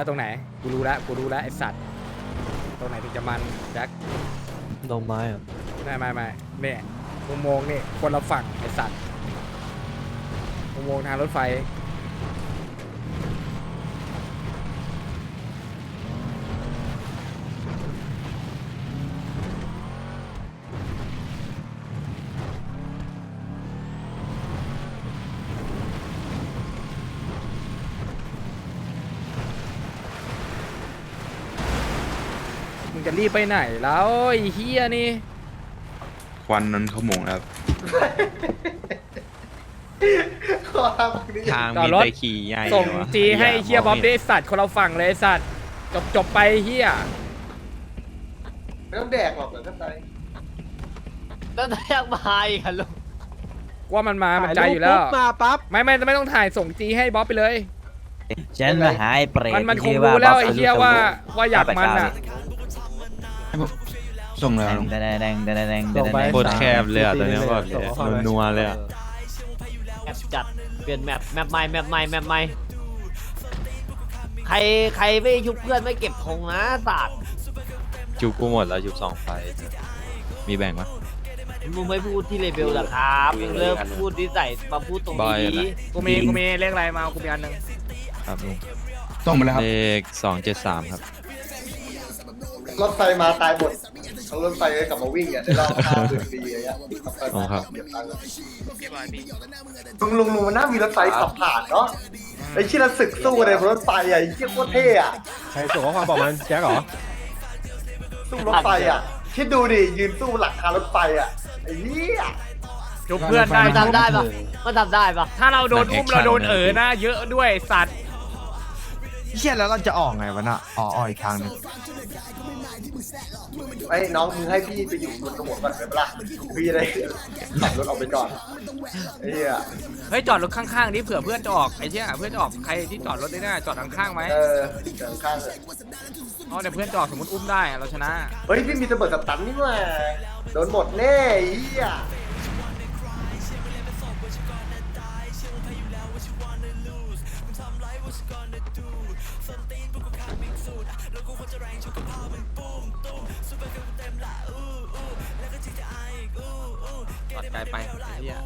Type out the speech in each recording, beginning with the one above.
แล้วตรงไหนกูรู้แล้วไอสัตว์ตรงไหนถึงจะมันแจ็คดงไม้อะไม่เนี่ยอุโมงค์นี่คนละฝั่งไอสัตว์อุโมงค์ทางรถไฟมึงจะรีบไปไหนแล้วไอ้เฮียนี่ควันนั้นขโมงครับทางจอดมีรถแต่ขี่ใหญ่ส่งวะจีให้เฮียบ๊อบมงได้ไม่สัตว์คนเราฝั่งเลยไอ้สัตว์จบไปเฮียไม่ต้องแดกหรอกเหรอท่านใดแล้วแทกมาอีกค่ะลุงว่ามันมามันใจอยู่แล้วมาปั๊บไม่ต้องถ่ายส่งจีให้บ๊อบไปเลยฉันมาหาไอ้เปรตมันคงรู้แล้วไอ้เฮียว่าอยากมันอ่ะส่งแล้วลุงแดงแดงแดงแดงส่งไปโคตรแคบเลยอะตอนนี้บอกเลยนัวๆเลยอะแมปจัดเปลี่ยนแมปใหม่ใครไม่ชุบเพื่อนไม่เก็บธงนะศาสตร์จุบกูหมดแล้วจุบ2 ไฟมีแบ่งปะมึงไม่พูดที่เลเบลล่ะครับมึงเริ่มพูดที่ใส่มาพูดตรงบอยนี้นะกูมีเลขอะไรมากูมีอันหนึงครับลุงส่งไปแล้วครับเลข273ครับรถไฟมาตายหมดเอารถไฟกลับมาวิ่งอ่ะได้รอบ50 ปีอย่างเงี้ยขับไปอ๋อครับเก็บตังค์ลุงมันน่ามีรถไฟขับผ่านเนาะไอ้ที่เราศึกสู้ในรถไฟอ่ะไอ้ที่โคตรเท่อะใครส่งข้อความบอกมันแจ็คเหรอสู้รถไฟอ่ะคิดดูดิยืนสู้หลังคารถไฟอ่ะไอ้เหี้ยจุบเพื่อนได้มันทำได้ปะมันทำได้ปะถ้าเราโดนอุ้มเราโดนนะเยอะด้วยสัตว์เชี่ยแล้วเราจะออกไงวะน่ะอ๋ออีกทางหนึงไอ้น้องมึงให้พี่ไปอยู่บนกระบวนก่อนได้ปะล่ะพี่จะได้ขับรถออกไปก่อนไอ้เหี้ยเฮ้ยจอดรถข้างๆนี่เผื่อเพื่อนจะออกไอ้เหี้ยเพื่อนจะออกใครที่จอดรถได้หน้าจอดข้างๆไหมเออเดินข้างเลยอ๋อเดี๋ยวเพื่อนจะออกสมมติอุ้มได้เราชนะเฮ้ยพี่มีระเบิดสตันนี่ว่าโดนหมดแน่ไอ้เหี้ยจอดไกลไปไอ้เหี้ย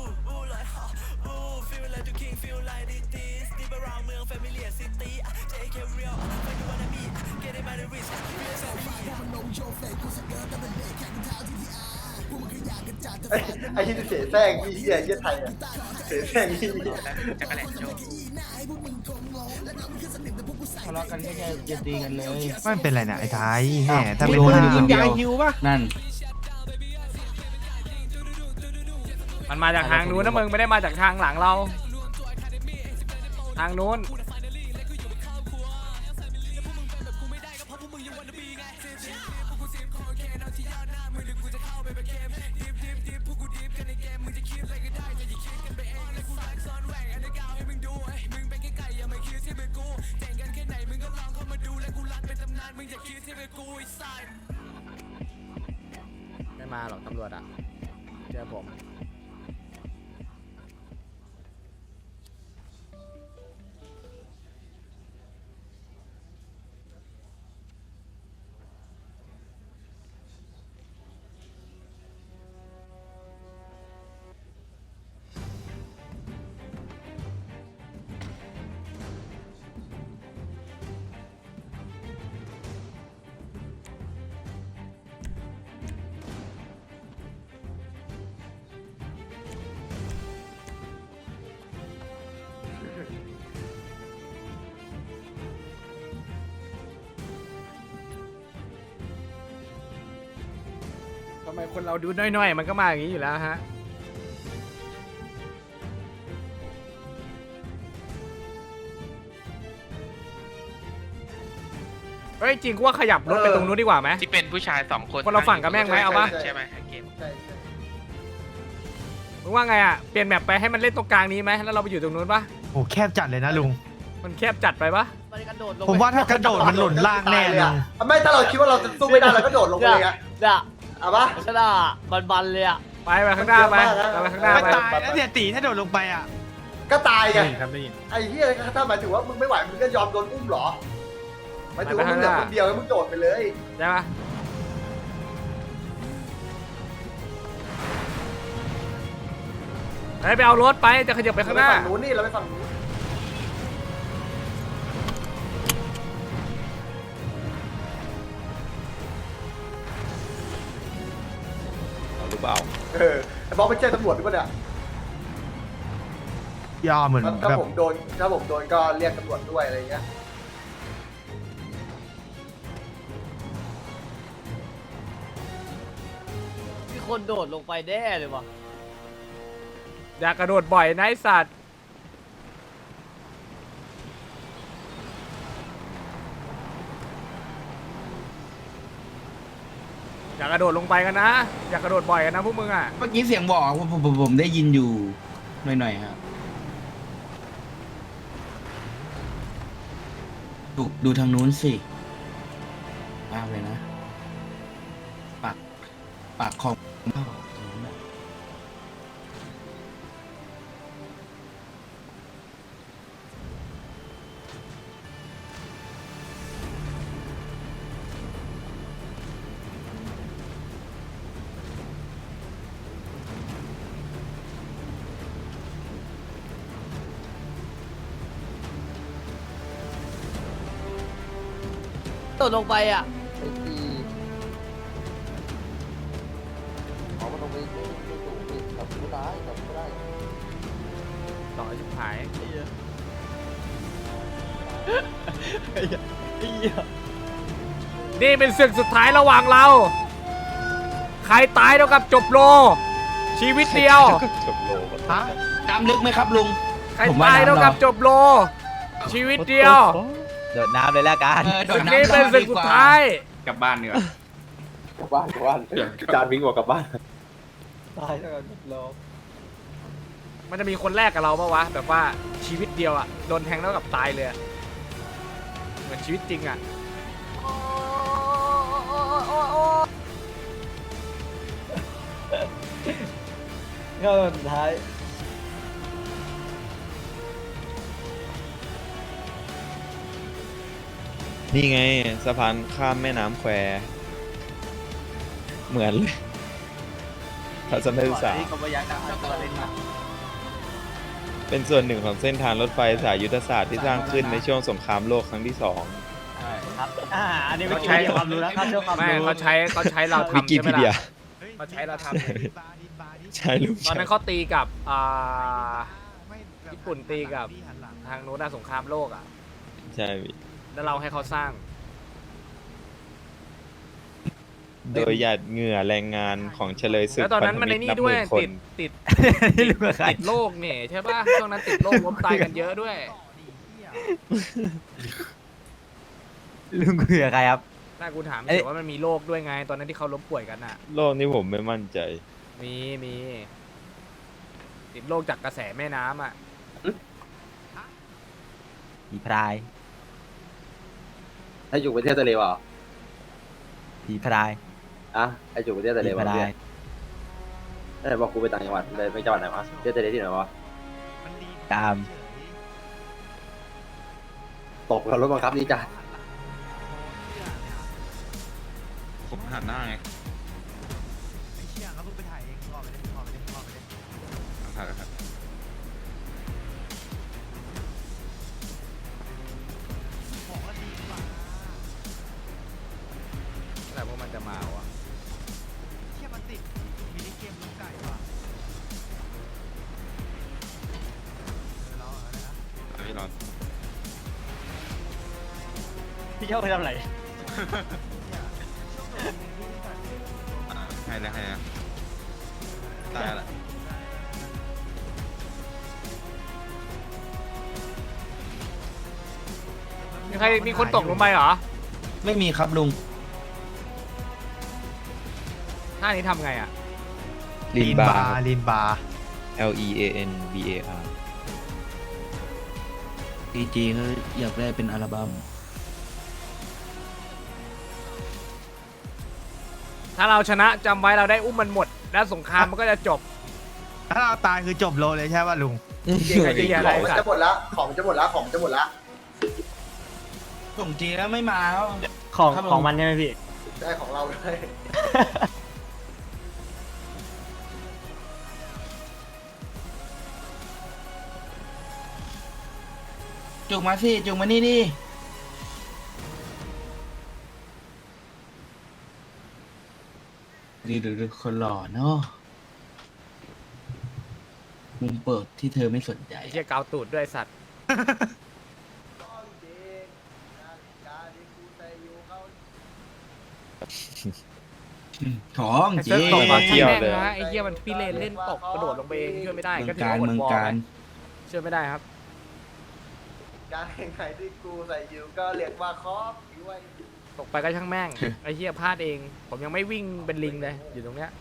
ไอ้ที่เสียแซงที่เหี้ยเหี้ยไทยอ่ะเสียแซงที่ทะเลาะกันแค่จะตีกันเลยไม่เป็นไรนะไอ้ไทยแหมถ้ามีเป็นคนหน้ายิงยายฮิวป่ะนั่นมันมาจากทางนู้นนะมึงไม่ได้มาจากทางหลังเรา ทางนู้นไม่มาหรอกตำรวจอ่ะเจอผมทำไมคนเราดูน้อยๆมันก็มาอย่างนี้อยู่แล้วฮะ เฮ้ยจริงกูว่าขยับรถไปตรงนู้นดีกว่าไหมที่เป็นผู้ชาย2 คนคนเราฝั่งกับแม่งไหมเอาปะใช่ไหมเกมใช่ใช่มึงว่าไงอ่ะ เปลี่ยนแมปไปให้มันเล่นตรงกลางนี้ไหมแล้วเราไปอยู่ตรงนู้นปะโอ้แคบจัดเลยนะลุงมันแคบจัดไปปะมันกระโดดลงผมว่าถ้ากระโดดมันหล่นล่างแน่เลยลุอ่ะงไม่ถ้าเราคิดว่าเราจะสู้ไม่ได้เราก็โดดลงไปเลยอ่ะเนี่ยเอาปะชนะบันเลยอ่ะไปข้างหน้าไปไปข้างหน้าไม่ไปตายแล้วเนี่ยตีถ้าโดดลงไปอ่ะก็ตายไงได้ยินครับได้ยินไอ้เหี้ยถ้าหมายถึงว่ามึงไม่ไหวมึงก็ยอมโดนอุ้มเหรอไม่ถือว่ามึงเหลือคนเดียวแล้วมึงโดดไปเลยใช่ปะไปเอารถไปจะขยับไปข้างหน้าฝั่งนู้นนี่เราไปฝั่งนู้นเอาหรือเปล่าไอ้บอสไปแจ้งตำรวจด้วยเนี่ยย่อเหมือนถ้าแบบผมโดนก็เรียกตำรวจด้วยอะไรเงี้ยมีคนโดดลงไปแน่เลยวะอย่ากระโดดบ่อยนะไอ้สัตว์อย่ากระโดดลงไปกันนะอย่ากระโดดบ่อยกันนะพวกมึงอ่ะเมื่อกี้เสียงบอกว่าผมได้ยินอยู่หน่อยๆครับดูทางนู้นสิมากเลยนะปากของเข้าตรงนู้นน่ะโดดลงไปอ่ะต่อชิบหายนี่เป็นศึกสุดท้ายระหว่างเรา ใครตายเท่ากับจบโล ชีวิตเดียวจบโลกฮะน้ำลึกไหมครับลุงใครตายเท่ากับจบโล ชีวิตเดียวโดดน้ำเลยแล้วกันโดศึดกน้ำนี้เป็นศึกสุดท้ายกลับบ้านดีกว่าจานวิ่งออกกลับบ้านมันจะมีคนแรกกับเราปะวะแบบว่าชีวิตเดียวอะโดนแทงเท่ากับตายเลยอะเหมือนชีวิตจริงอะก็สุดท้ายนี่ไงสะพานข้ามแม่น้ำแควเหมือนเลยทัศนศึกษาเป็นส่วนหนึ่งของเส้นทางรถไฟสายยุทธศาสตร์ที่สร้างขึ้นในช่วงสงครามโลกครั้งที่ 2 อันนี้ไม่ใช่ความรู้แล้วครับช่วงความไม่รู้เขาใช้เราวิทำกิใช่ไหมพีเดียล่ะเขาใช้เราทำใช่ลูกตอนนั้นเขาตีกับญี่ปุ่นตีกับทางโน้นสงครามโลกอะใช่พี่แล้วเราให้เขาสร้างโดยหยาดเหงื่อแรงงานของเฉลยศึกแล้วตอนนั้นมันในนี่พัธด้วยมิตรนับหมื่นคนติดโรคเนี่ยใช่ป่ะช่วงนั้นติดโรคล้มตายกันเยอะด้วยลุงคุยกับใครครับน่ากูถามเอ๊ะเฉยว่ามันมีโรคด้วยไง ตอนนั้นที่เขาล้มป่วยกันอะโลกนี้ผมไม่มั่นใจมีติดโรคจากกระแสแม่น้ำอะผีพรายถ้าอยู่ประเทศทะเลวะผีพรายอ่ะไออยู่ประเทศทะเลผีพวะรายเนี่ยบอกกูไปต่างจังหวัดเลยไปจังหวัดไหนวะประเทศทะเลที่ไหนวะตามตกกับรถบังคับนี่จ้ะผมหันหน้าไงครับแต่พวกมันจะมาวะพี่รอนพี่เจ้าไปทำอะไรให้นะตายละมีคนตกลงไปเหรอไม่มีครับลุงท่านี้ทำไงอะลินบาร์ลีนบาร์ LEAN BAR ดีจีเขาอยากได้เป็นอัลบั้มถ้าเราชนะจำไว้เราได้อุ้มมันหมด แล้วสงครามมันก็จะจบถ้าเราตายคือจบโลเลยใช่ป่ะลุงจริงๆไอ้เหี้ยของมันจะหมดละของมันจะหมดละส่งจีแล้วไม่มาแล้วของมันใช่ไหมพี่ได้ของเราด้วยจุกมาสิจุกมานี่ดิดูคนหล่อเนาะมุมเปิดที่เธอไม่สนใจไอ้เหี้ยเกาตูดด้วยสัตว์ของไอ้จเซิริร์ฟงตกมาเที่ยวแม่งเลยนะไอ้เหี้ยมันพี่เลนเล่นตกกระโดดลงไปเองช่วยไม่ได้เมืก็องถือการว่าอดเมืองวอลการช่วยไม่ได้ครับการแข่งขันที่กูใส่ยูก็เรียกว่าคอฟด้วยตกไปก็ช่างแม่ง ไอ้เหี้ยพลาดเอง ผมยังไม่วิ่งเป็นลิงเลยอยู่ตรงเนี้ย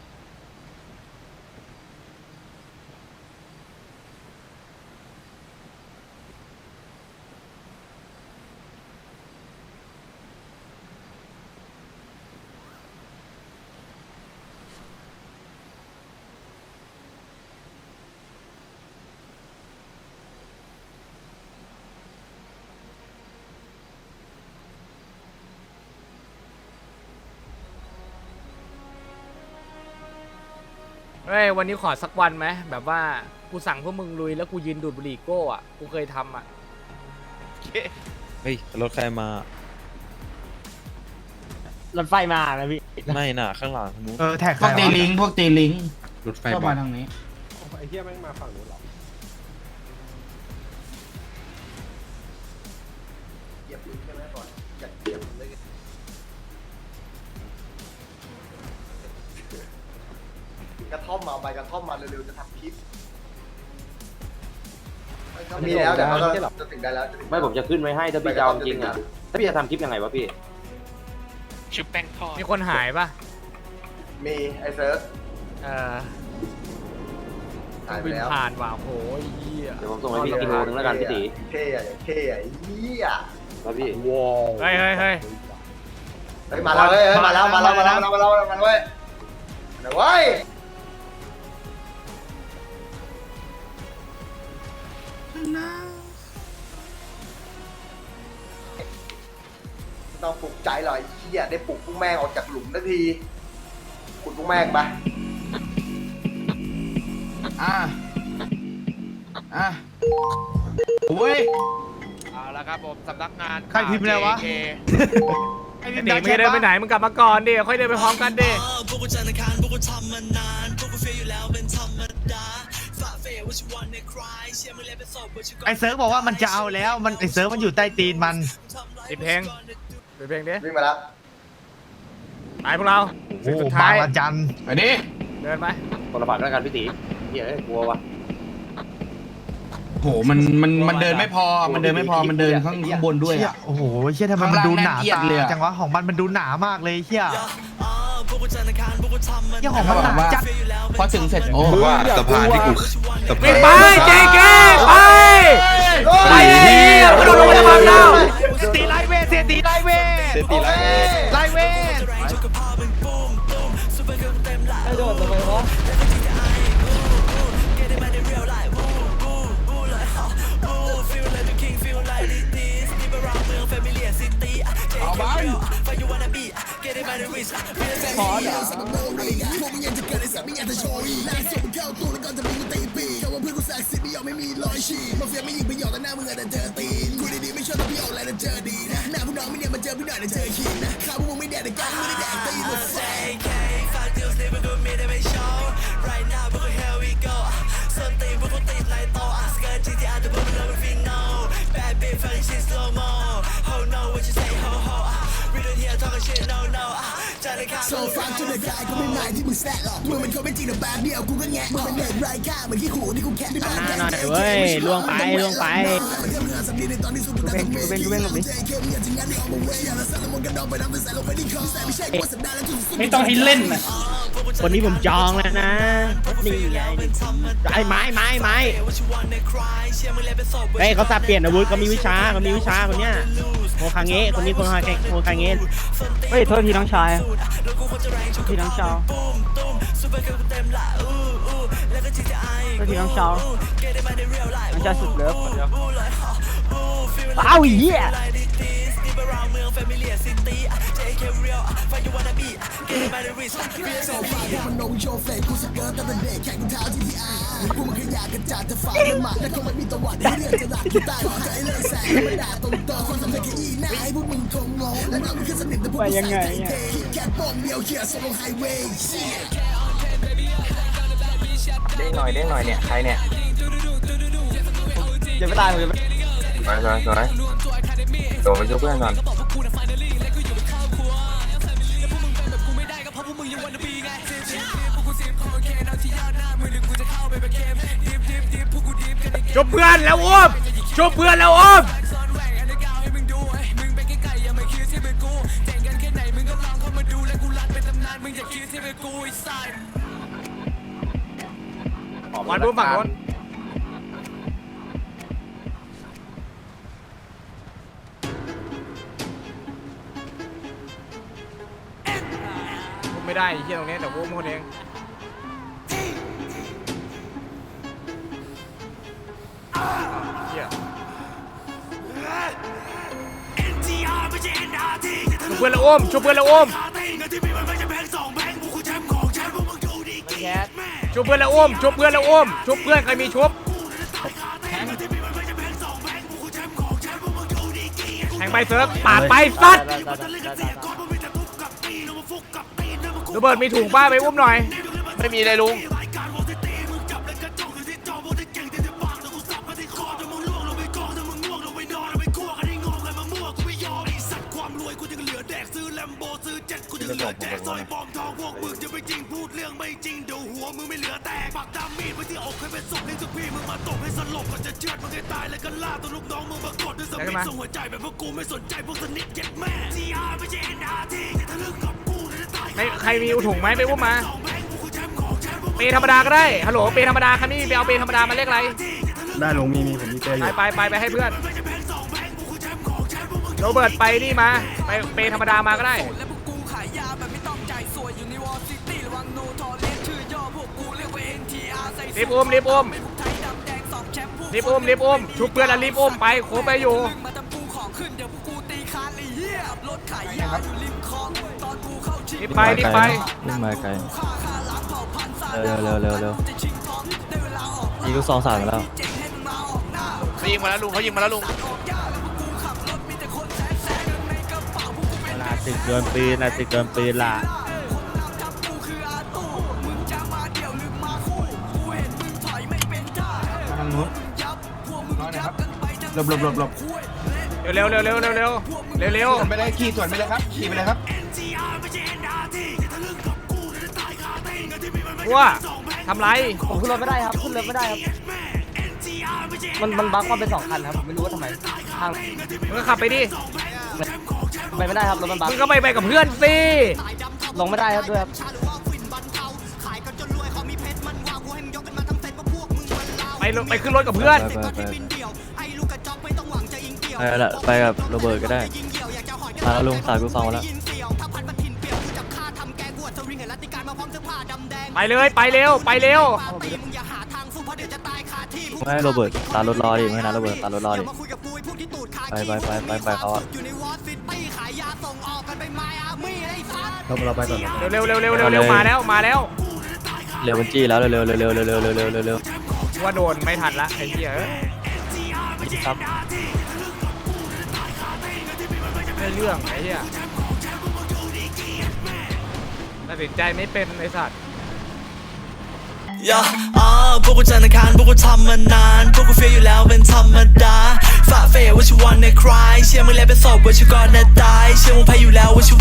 เฮ้ยวันนี้ขอสักวันไหมแบบว่ากูสั่งพวกมึงลุยแล้วกูยืนดูดบุหรี่โก้อะกูเคยทำอะเฮ้ยรถใครมารถไฟมานะพี่ไม่น่ะข้างหลังนู้นแท็กพวกตีลิงพวกตีลิงรถไฟเข้าบอมาลทางนี้ไอ้เหี้ยแม่งมาฝั่งนู้นหรอเหยียบลิ้นใช่ไหมก่อนอยากเหยียบเลยกระท่อมมาเอาใบกระท่อมมาเร็วๆจะทำคลิปมีแล้วเดี๋ยวเขาจะถึงได้แล้วจะถึงไม่ผมจะขึ้นไว้ให้ถ้าพี่จะเอาจริงอ่ะถ้าพี่จะทำคลิปยังไงวะพี่มีคนหายปะมีไอ้เซิร์ฟเออหายไปบินแล้วผ่านว่ะโอ้ยเหี้ยเดี๋ยวผมส่งให้พี่กิโลนึงแล้วกันพี่ตีเท่อะเท่อะเหี้ยแล้วพี่เฮ้ยเฮ้ยเฮ้ยเฮ้ยมาแล้วเฮ้ยมาแล้วมาแล้วมาแล้วมาแล้วมาแล้วเว้ยเดี๋ยวเว้ยต้องปลุกใจหน่อยเหี้ยได้ปลุกพวกแม่งออกจากหลุมทันทีขุดพวกแม่งไปโอ้ยเอาละครับผมสำนักงานใครพิมพ์อะไรวะไอ้เด็กไม่ได้เดินไปไหนมึงกลับมาก่อนดิค่อยเดินไปพร้อมกันดิไอเซิร์ฟบอกว่ามันจะเอาแล้วมันไอเซิร์ฟมันอยู่ใต้ตีนมันปิดเพลงปิดเพลงดิวิ่งมาแล้วไปพวกเราโอ้สุดบาท้าง ยละจันไปดิเดินไปคนละฝั่งแล้วกันพี่ตีเหี้ยกลัววะโหมันเดินไม่พอมันเดินไม่พอมันเดินข้างบนด้วยเชี่ยอ่ะโอ้โหเชี่ยทำไมมันดูหนาข้างล่างน่าเกลียดตาเลยอะจังวะของมันดูหนามากเลยเชี่ยเชี่ยของมันเขาหบนาอกว่าจัดพอถึงเสร็จโอ้ว่าสะพานที่กูสะพาวิ่นงไปเจเกไปไปเฮียกระโดดลงมาจะพังแล้วตีไลเวทเสียตีไลเวทเซตีไลเวทไลเวทเอาบ้านโซฟาจนเดือดกายก็ไม่หมายที่มึงแซะหรอกมึงเป็นคนไม่จริงแต่แบบเดียวกูก็แงะมึงเป็นเด็กไร้ค่าเหมือนขี้ขู่ที่กูแค่ในบ้านแค่หน่อยเว้ยล่วงไปล่วงไปไม่ต้องให้เล่นนะวันนี้ผมจองแล้วนะนี่ไงไอ้ไม้เฮ้ยเขาสับเปลี่ยนอาวุธเขามีวิชาคนเนี้ยโคคางเงะคนนี้โคคางเงะเฮ้ยโทษทีน้องชายพี่น้องชาวโทษทีน้องชาวสุดเลิฟเอาอีเหี้ยมันนงโชว์เฟกกูสเกิร์ตตั้งแต่เด็กแข่งเท้าที่ที่อาพวกมึงขยะกระจาดจะฝ่ามันมาแต่คงไม่มีตะวันที่เลือกจะหลักที่ใต้ขอใจเลยแสงมาด่าตรงต่อคนสำเร็จแค่อีหน้าให้พวกมึงคงงงและน้องมึงแค่สนิทแต่พวกมึงใส่ใจเทแค่ปองเดียวเขี่ยส่งลงไฮเวย์เด้งหน่อยเนี่ยใครเนี่ยจะไม่ตายผมจะไม่สวยโดดไปช่วยเพื่อนก่อนจบเพื่อนแล้วอุ้มจบเพื่อนแล้วอุ้มวันรุ่นฝั่งโน้นไม่ได้ไอ้เหี้ยตรงนี้แต่อุ้มคนเองเหี้ยชุบเพื่อนแล้วอุ้มชุบเพื่อนแล้วอุ้มชุบเพื่อนแล้วอุ้มชุบเพื่อนแล้วอุ้มชุบเพื่อนใครมีชุบแทงไปเซิร์ฟปาดไปซัดระเบิดมีถุงป้าไปอุ้มหน่อยไม่มีเลยลุงไม่ใครมีถุงไหมไปอุ้มมาเปธรรมดาก็ได้ฮัลโหลเปธรรมดาใครไม่มีไปเอาเปธรรมดามาเลขอะไรได้ลงมีผมมีเปอยู่ไปให้เพื่อนโรเบิร์ตไปนี่มาไปเปธรรมดามาก็ได้รีบอุ้มชุบเพื่อนแล้วรีบอุ้มไปโคไปอยู่รีบไปวิ่งมาไกลเร็วยิงลูกซองสามแล้วเขายิงมาแล้วลุงตึกโดนปืนล่ะหลบเร็วไปเลยขี่สวนไปเลยครับขี่ไปเลยครับว่าทำไรผมขึ้นรถไม่ได้ครับมันบั๊กมาเป็น2 คันครับผมไม่รู้ว่าทำไมทางมึงก็ขับไปดิไปไม่ได้ครับรถมันบั๊กมึงก็ไปกับเพื่อนสิลงไม่ได้ครับด้วยครับไปขึ้นรถกับเพื่อนไปกับโรเบิร์ตก็ได้มาแล้วลุงสายกูฟังมาแล้วไปเลยไปเร็วไม่ให้โรเบิร์ตตารถรอดิไม่นะโรเบิร์ตตารถรอดิไปเขาอะเราไปก่อนเร็วมาแล้วเร็วบัญชีแล้วเร็วว่าโดนไม่ทันละไอ้เหี้ยครับไม่เรื่องไอ้เหี้ยตัดสินใจไม่เป็นไอ้สัตว์พวกกูจันทร์อังคารพวกกูทำมานานพวกกูเฟียอยู่แล้วเป็นธรรมดาฝ่าเฟยว่าชิวันในคลายเชื่อมึงแล้วเป็นศพว่าชิวก่อนนะตายเชื่อมึงแพ้อยู่แล้วว่าชิ